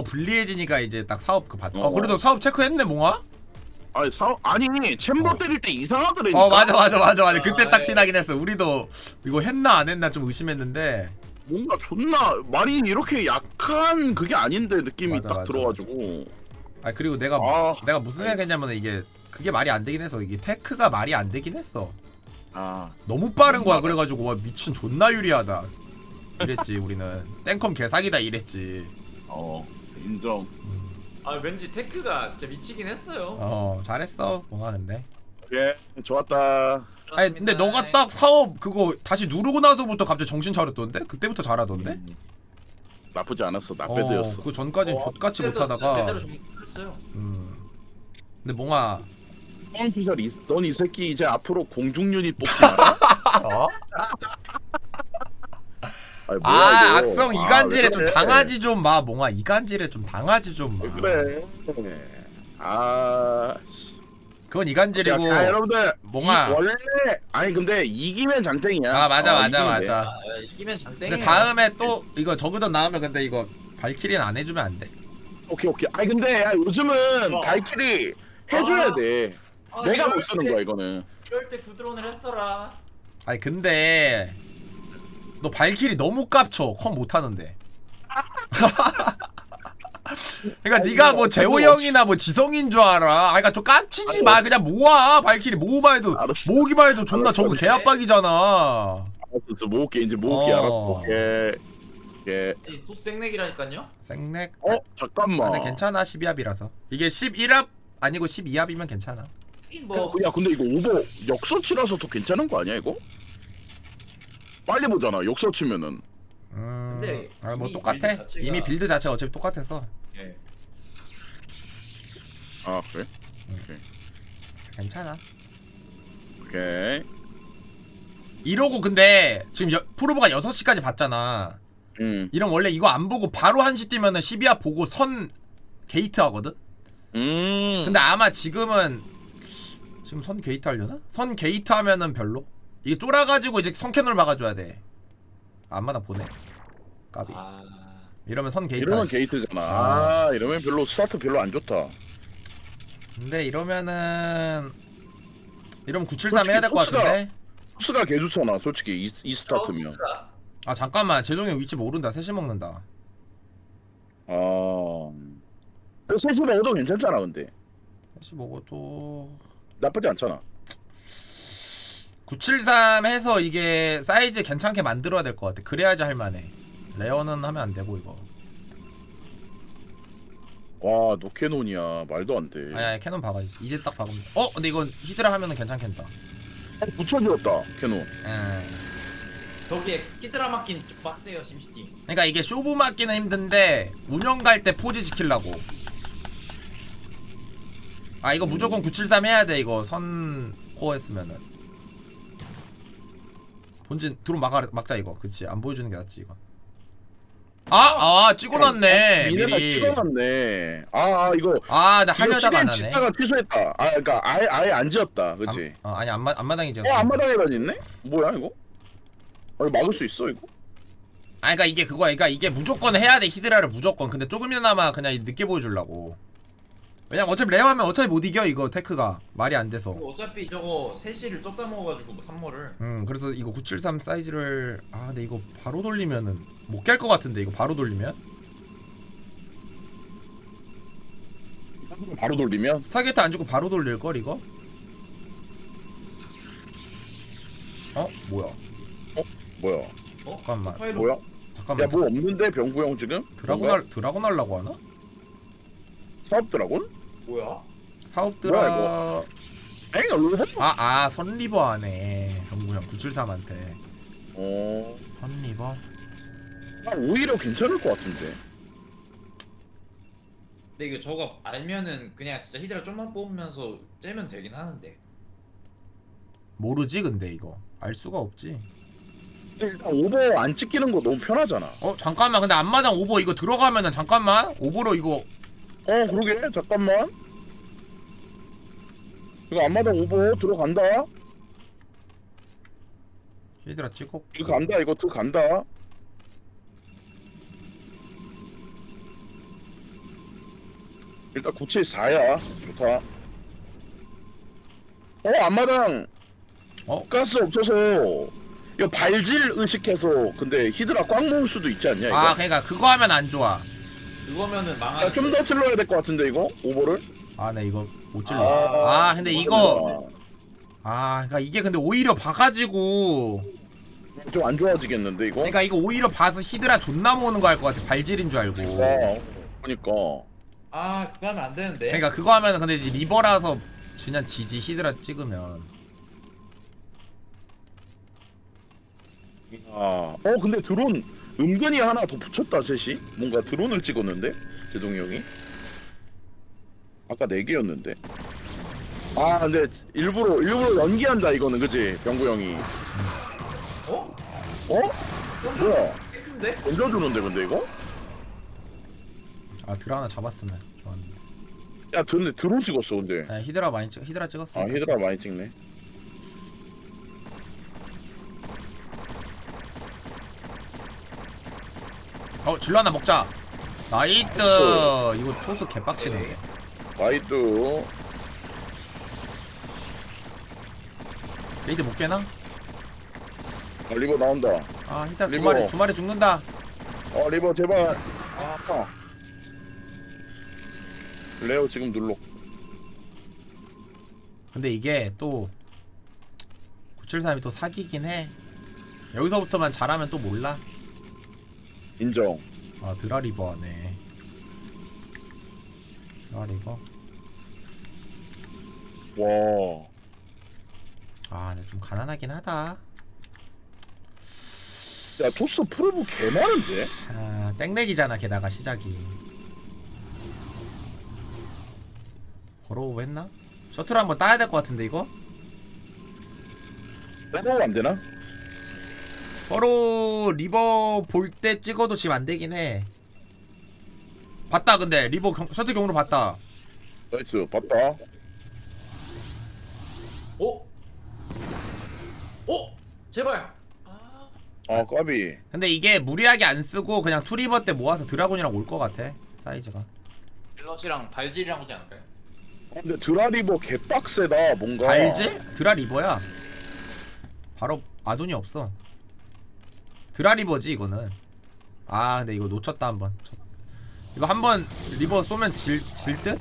불리해지니까 이제 딱 사업 그 받. 그래도 사업 체크했네 몽아. 아니 아니 챔버 때릴 때 이상하더라니까. 맞아. 그때 딱 티나긴 했어. 우리도 이거 했나 안 했나 좀 의심했는데. 뭔가 존나 말이 이렇게 약한 그게 아닌데 느낌이 맞아, 딱 맞아. 들어가지고. 그리고 내가 무슨 생각했냐면 이게 그게 말이 안 되긴 했어. 이게 테크가 말이 안 되긴 했어. 너무 빠른 거야. 그래가지고 와 미친 존나 유리하다 이랬지. 우리는 땡컴 개사기다 이랬지. 인정. 왠지 테크가 진짜 미치긴 했어요. 잘했어 몽아 근데. 예, 좋았다. 근데 너가 딱 사업 그거 다시 누르고 나서부터 갑자기 정신 차렸던데? 그때부터 잘하던데? 나쁘지 않았어. 나빼드였어. 그 전까진 족같이 못하다가. 제대로 좀 했어요. 근데 몽아. 피셜 넌 이 새끼 이제 앞으로 공중 유닛 뽑지 마라. 악성 이간질에 좀 당하지 좀 마 몽아. 이간질에 좀 당하지 좀 마. 그래. 그건 이간질이고. 여러분들 몽아. 원래 근데 이기면 장땡이야. 맞아. 이기면 장땡이. 근데 다음에 또 이거 저그전 나오면 근데 이거 발키리는 안 해주면 안 돼. 오케이. 근데 요즘은 발키리 해줘야 돼. 내가 못 쓰는 거야 이거는. 이럴 때 구드론을 했어라. 근데 너 발키리 너무 깝쳐. 컴 못하는데. 그러니까 네가 뭐 재호 형이나 뭐 지성인 줄 알아. 그러니까 좀 깝치지 마. 그냥 모아. 발키리 모으기만 해도 모으기만 해도 존나 저거 개압박이잖아. 알았어. 모을게 이제 모을게. 알았어. 예. 소스 생맥이라니까요. 생맥. 잠깐만. 근데 괜찮아. 12합이라서. 이게 11합 아니고 12합이면 괜찮아. 야 근데 이거 오버 역서치라서 더 괜찮은 거 아니야 이거? 빨리 보잖아 역서치면은. 근데 뭐 똑같아. 이미 빌드 자체가 어차피 똑같아서. 예. 그래? 오케이. 괜찮아. 오케이. 이러고 근데 지금 프로브가 6시까지 봤잖아. 이런 원래 이거 안 보고 바로 1시 뛰면은 12합 보고 선 게이트 하거든? 근데 아마 지금 선 게이트 하려나? 선 게이트 하면은 별로? 이게 쫄아가지고 이제 선캐널 막아줘야 돼. 안마다 보내. 까비. 이러면 선 게이트. 이러면 게이트잖아. 이러면 별로 스타트 별로 안 좋다. 근데 이러면 973 해야 될 것 같은데? 코스가 개 좋잖아 솔직히 이 스타트면. 잠깐만 제동이 위치 모른다. 셋이 먹는다. 셋이 먹어도 괜찮잖아 근데. 셋이 먹어도 나쁘지 않잖아. 973 해서 이게 사이즈 괜찮게 만들어야 될 것 같아. 그래야지 할만해. 레어는 하면 안 되고 이거. 와 노캐논이야 말도 안 돼. 아니 캐논 박아. 이제 딱 박으면. 근데 이건 히드라 하면은 괜찮겠다. 붙여주었다 캐논. 저기에 끼드라 맞긴 좀 빡세요 심시티. 그러니까 이게 쇼부 맞기는 힘든데 운영 갈 때 포지 지키려고. 이거 무조건 973 해야 돼. 이거 선 코어 했으면은 본진 드론 막자 이거. 그치 안 보여주는 게 낫지 이거. 찍어놨네 미리. 찍어놨네. 이거. 나 하려다가 안 하네. 짓다가 취소했다. 그러니까 아예 안 지었다. 그치? 아니 앞마당이 지었어. 앞마당에만 있네? 뭐야 이거? 막을 수 있어 이거? 그러니까 이게 그거야. 그러니까 이게 무조건 해야 돼. 히드라를 무조건. 근데 조금이나마 그냥 늦게 보여주려고. 왜냐면 어차피 레어하면 어차피 못 이겨 이거 테크가. 말이 안 돼서. 어차피 저거 3시를 쫓다 먹어가지고 3모를. 그래서 이거 973 사이즈를 근데 이거 바로 돌리면은 못 깰 것 같은데 이거 바로 돌리면? 바로 돌리면? 스타게이트 안 주고 바로 돌릴걸 이거? 뭐야? 뭐야? 잠깐만. 뭐야? 잠깐만. 야 뭐 없는데 병구 형 지금? 드라곤 하려고 하나? 사업 드라곤? 뭐야? 사업 뭐야, 드라. 선리버 하네. 병구형 973한테. 선리버. 오히려 괜찮을 것 같은데. 근데 이거 저거 알면은 그냥 진짜 히드라 좀만 뽑으면서 째면 되긴 하는데. 모르지 근데 이거 알 수가 없지. 일단 오버 안 찍히는 거 너무 편하잖아. 잠깐만. 근데 앞마당 오버 이거 들어가면은 잠깐만. 오버로 이거. 그러게 잠깐만. 이거 앞마당 오버 들어간다. 히드라 찍고. 이거 간다. 이거 들어간다. 일단 974야. 좋다. 앞마당 가스 없어서 이거 발질 의식해서 근데 히드라 꽉 모을 수도 있지 않냐 이거? 아 그러니까 그거 하면 안 좋아. 그거면은 망하는. 좀 더 찔러야 될 것 같은데 이거? 오버를? 아 나 이거 못 찔러. 아 근데 이거 그러니까 이게 근데 오히려 봐가지고 좀 안 좋아지겠는데 이거? 그러니까 이거 오히려 봐서 히드라 존나 모으는 거 할 것 같아. 발질인 줄 알고. 그러니까 아 그거 하면 안 되는데. 그러니까 그거 하면은 근데 이제 리버라서 그냥 지지 히드라 찍으면. 근데 드론 은근히 하나 더 붙였다 셋이. 뭔가 드론을 찍었는데 제동이 형이 아까 4개였는데. 근데 일부러 연기한다 이거는 그치 병구 형이. 어? 뭐야? 깨끗한데? 던져주는데 근데 이거? 아 드라 하나 잡았으면 좋았는데. 야 근데 드론 찍었어 근데. 히드라 많이 찍 히드라 찍었어. 히드라 많이 찍네. 질러 하나 먹자. 나이트. 이거 토스 개빡치는데. 와이드. 레이드 못 깨나? 리버 나온다. 히드라 리버. 두 마리 죽는다. 리버 제발. 레오 지금 눌러. 근데 이게 또 973이 또 사기긴 해. 여기서부터만 잘하면 또 몰라. 인정. 드라리버 하네. 드라리버. 와. 근데 좀 가난하긴 하다. 야 토스 프로브 개 많은데? 땡렉이잖아 게다가 시작이. 버로우 했나? 셔틀 한번 따야 될 것 같은데 이거? 빼놓으면 안 되나? 버로우 리버 볼 때 찍어도 지금 안 되긴 해. 봤다 근데 리버 셔틀 경으로 봤다. 나이스 봤다. 제발. 까비. 근데 이게 무리하게 안 쓰고 그냥 투리버 때 모아서 드라곤이랑 올 것 같아 사이즈가. 빌럿이랑 발질이랑 오지 않을까요? 근데 드라리버 개빡세다 뭔가. 발질? 드라리버야. 바로 아둔이 없어. 드라리버지 이거는. 근데 이거 놓쳤다 한번. 이거 한번 리버 쏘면 질 듯?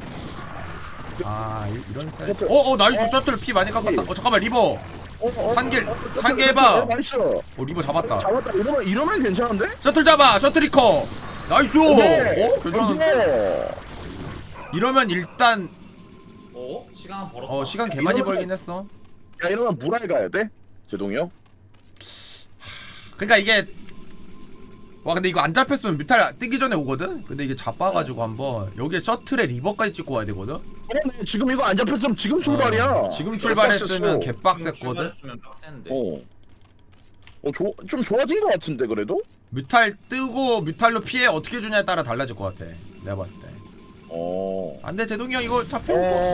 이런 사이즈. 나이스 셔틀 피 많이 깎았다. 잠깐만 리버. 산길 해봐. 나이스. 리버 잡았다. 이러면 괜찮은데? 셔틀 잡아. 셔틀이커. 나이스. 괜찮은데? 이러면 일단 시간 벌었다. 시간 개 많이 벌긴 했어. 야 이러면 무랄 가야 돼? 제동이 형? 그러니까 이게 근데 이거 안 잡혔으면 뮤탈 뜨기 전에 오거든? 근데 이게 잡아가지고 한번 여기에 셔틀에 리버까지 찍고 와야 되거든? 그러네. 지금 이거 안 잡혔으면 지금 출발이야. 지금 출발했으면 개빡셌거든? 출발했으면 빡센데. 좀 좋아진 것 같은데 그래도? 뮤탈 뜨고 뮤탈로 피해 어떻게 주냐에 따라 달라질 것 같아 내가 봤을 때. 안돼 제동이 형 이거 잡혀.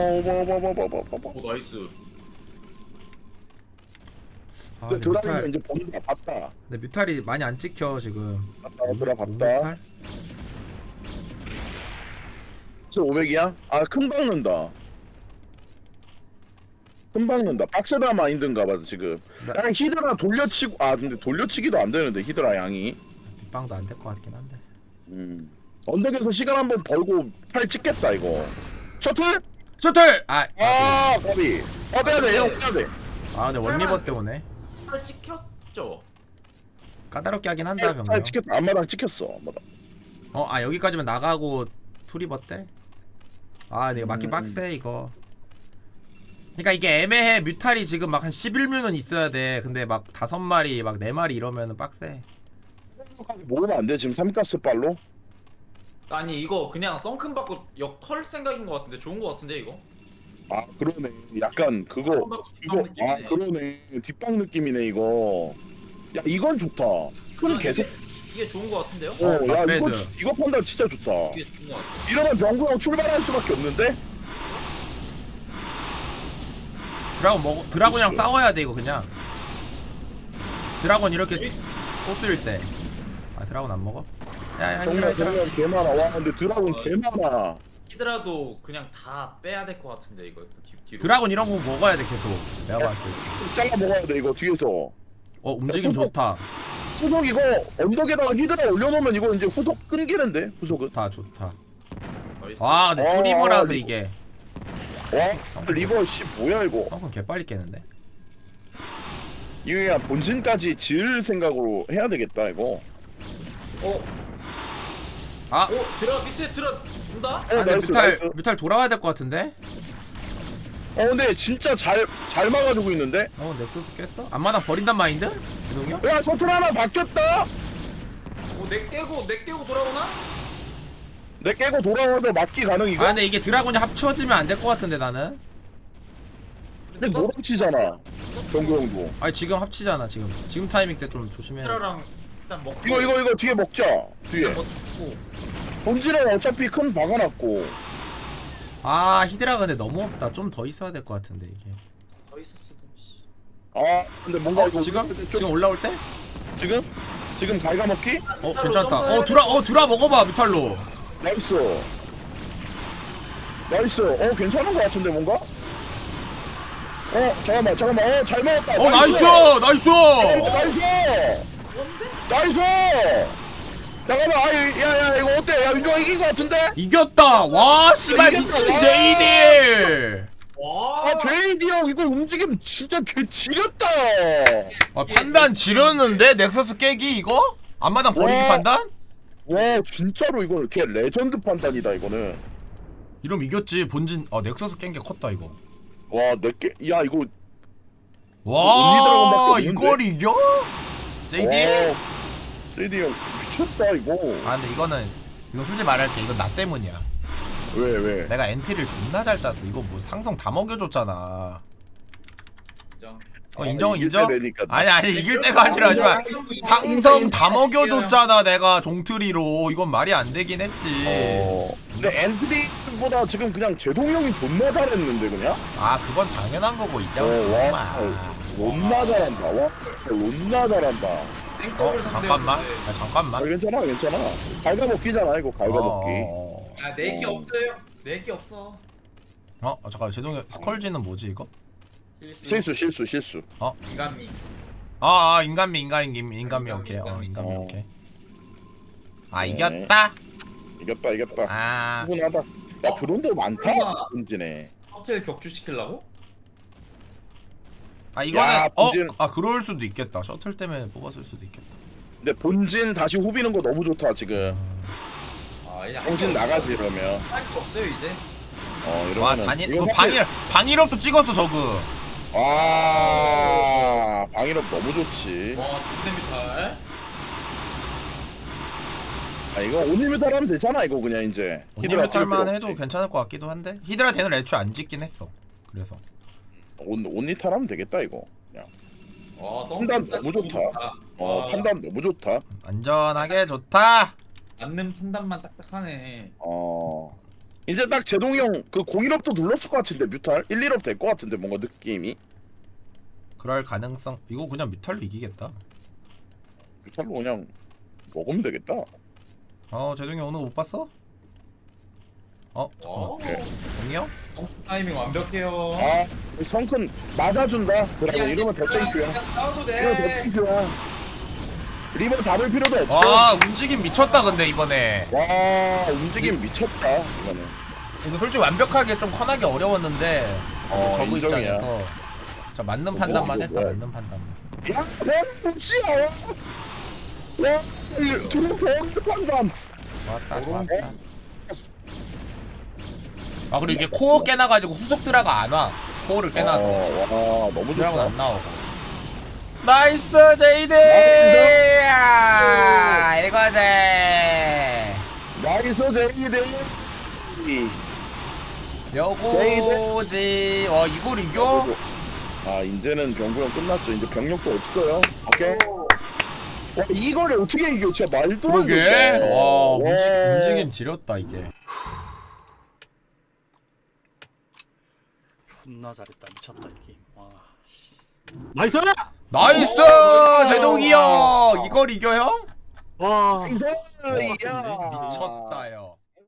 나이스. 근데 드라이브 이제 본다 봤다. 근데 뮤탈이 많이 안 찍혀 지금. 봤다. 뮤탈? 500이야? 큰 박는다. 큰 박는다. 빡세다 마인드인가 봐 지금. 그냥 히드라 돌려치고 근데 돌려치기도 안 되는데 히드라 양이. 뒷방도 안 될 것 같긴 한데. 언덕에서 시간 한번 벌고 팔 찍겠다 이거. 셔틀? 까비. 빼야돼 형 빼야돼. 근데 원리버 때문에 팔 찍혔죠. 까다롭게 하긴 한다 병력. 팔 찍혔다. 앞마당 찍혔어. 앞마당. 여기까지만 나가고 투리버 때? 내가 맞기 빡세 이거. 그러니까 이게 애매해. 뮤탈이 지금 막 한 11뮤는 있어야 돼. 근데 막 5마리 막 4마리 이러면은 빡세. 모으면 안 돼 지금 3가스 빨로? 아니 이거 그냥 썬큰 받고 역 털 생각인 것 같은데 좋은 것 같은데 이거? 그러네. 약간 그거 이거 그러네. 뒷방 느낌이네 이거. 야 이건 좋다. 큰 계속 이게 좋은 것 같은데요? 야 갓배드. 이거 판단 진짜 좋다. 이게 좋은 것 같아. 이러면 병구 형 출발할 수밖에 없는데? 드라곤이랑 싸워야 돼 이거 그냥. 드라곤 이렇게 소스일 때. 드라곤 안 먹어? 정말 개 많아. 와 근데 드라곤 개 많아. 히드라도 그냥 다 빼야 될 것 같은데 이거 뒤로. 드라곤 이런 거 먹어야 돼 계속. 내가 봤을 때. 잘라 먹어야 돼 이거 뒤에서. 움직임 수속. 좋다. 후속 이거 언덕에다가 히드라 올려놓으면 이거 이제 후속 끊기는데 후속은. 좋다. 나이스. 와 근데 어, 투리버라서 리버. 이게 와 리버 씨 뭐야 이거. 썬큰 개빨리 깨는데. 이거 그냥 본진까지 지을 생각으로 해야 되겠다 이거. 아 밑에 온다. 근데 나이스, 뮤탈 나이스. 뮤탈 돌아와야 될 것 같은데. 근데 진짜 잘 막아주고 있는데. 넥서스 깼어? 앞마당 버린단 마인드? 제동이 형? 야 셔틀 하나 바뀌었다. 내 깨고 돌아오나? 내 깨고 돌아와서 막기 가능 이거. 근데 이게 드라곤이 합쳐지면 안 될 것 같은데 나는. 근데 노랑치잖아. 병구 형도. 아니 지금 합치잖아 지금 타이밍 때 좀 조심해야 돼. 히드라랑 일단 먹고. 이거 뒤에 먹자. 뒤에. 먹고. 본질은 어차피 큰 박아놨고. 히드라 근데 너무 없다. 좀 더 있어야 될 것 같은데 이게. 더 있었어도. 씨. 근데 뭔가 이거 지금 올라올 때? 지금 갈가먹기? 괜찮다. 드라 먹어봐 뮤탈로. 나이스. 괜찮은 것 같은데 뭔가? 잠깐만. 잘 먹었다. 나이스. 잠깐만. 야 이거 어때? 야 윤종아 이긴 것 같은데? 이겼다. 와 씨발 이겼다. 미친 와. JD. 와. JD 형 이거 움직임 진짜 개 지렸다. 판단 지렸는데 넥서스 깨기 이거? 앞마당 버리기 와. 판단? 와 진짜로 이거 걔 레전드 판단이다 이거는. 이러면 이겼지. 본진 넥서스 깬 게 컸다 이거. 와 내게 야 이거 와 언니 드라곤밖에 이걸 이겨? JD? 와, JD 형 미쳤다 이거. 근데 이거 솔직히 말할게. 이건 나 때문이야. 왜? 내가 엔트리를 존나 잘 짰어. 이거 뭐 상성 다 먹여줬잖아. 인정. 인정? 이길 때 되니까. 아니 이길 때가 아니라 하지만 상성 다 먹여줬잖아. 내가 종트리로. 이건 말이 안 되긴 했지. 근데 엔트리보다 지금 그냥 제동 형이 존나 잘했는데 그냥. 그건 당연한 거고 이제. 존나 잘한다. 존나 잘한다. 잠깐만. 잠깐만. 괜찮아. 갈가먹기잖아 이거 갈가먹기. 내기 없어요. 내기 없어. 잠깐 제동이 스컬지는 뭐지 이거? 실수. 인간미. 인간미 오케이. 인간미 오케이. 네. 이겼다. 이겼다. 충분하다. 야 드론도 많다. 본진에. 호텔 격추시키려고? 이거는 야, 본진. 그럴 수도 있겠다. 셔틀 때문에 뽑았을 수도 있겠다. 근데 본진 다시 후비는 거 너무 좋다 지금. 본진 나가지 이러면. 할거 없어요 이제. 이러면은. 이거 방일업도 찍었어 저그. 방일업 너무 좋지. 와 뒷데미탈. 이거 온리뮤탈 하면 되잖아 이거 그냥 이제. 오니메탈만 해도 괜찮을 것 같기도 한데 히드라 대는 애초에 안 짓긴 했어. 그래서 온리탈 하면 되겠다 이거. 그냥. 와 판단 너무 좋다. 판단 너무 좋다. 안전하게 좋다. 맞는 판단만 딱딱하네. 이제 딱 제동이 형 그 01업도 눌렀을 것 같은데 뮤탈 1, 1업 될 것 같은데 뭔가 느낌이. 그럴 가능성. 이거 그냥 뮤탈로 이기겠다. 뮤탈로 그냥 먹으면 되겠다. 제동이 오늘 못 봤어? 동이 형? 타이밍 완벽해요. 성큰 맞아준다. 그래 이러면 대땡큐야. 싸워도 이러면 돼. 대땡큐야. 리버 잡을 필요도 없어. 움직임 미쳤다 근데 이번에. 와 움직임 미쳤다 이거는. 이거 솔직히 완벽하게 좀 커나기 어려웠는데 저그 인정이야. 입장에서 맞는 판단만 했다. 맞는 판단만. 야, 뭐지야? 야, 드론 더 판단. 좋았다. 그리고 이게 코어 깨놔가지고 후속 드라가 안 와. 코어를 깨놔서 와, 너무 드라곤 좋다. 안 나오고. 나이스 제이드. 이거지. 나이스 제이드. 요거지. 이걸 이겨? 이제는 병구형 끝났죠. 이제 병력도 없어요. 오케이. 와, 이거를 어떻게 이겨? 진짜 말도 안 그러게. 된다. 움직임 지렸다 이게. 존나 잘했다. 미쳤다 이 게임. 와. 씨. 나이스! 나이스 제동이 형. 이걸 이겨 형? 와. 이제 미쳤다 형.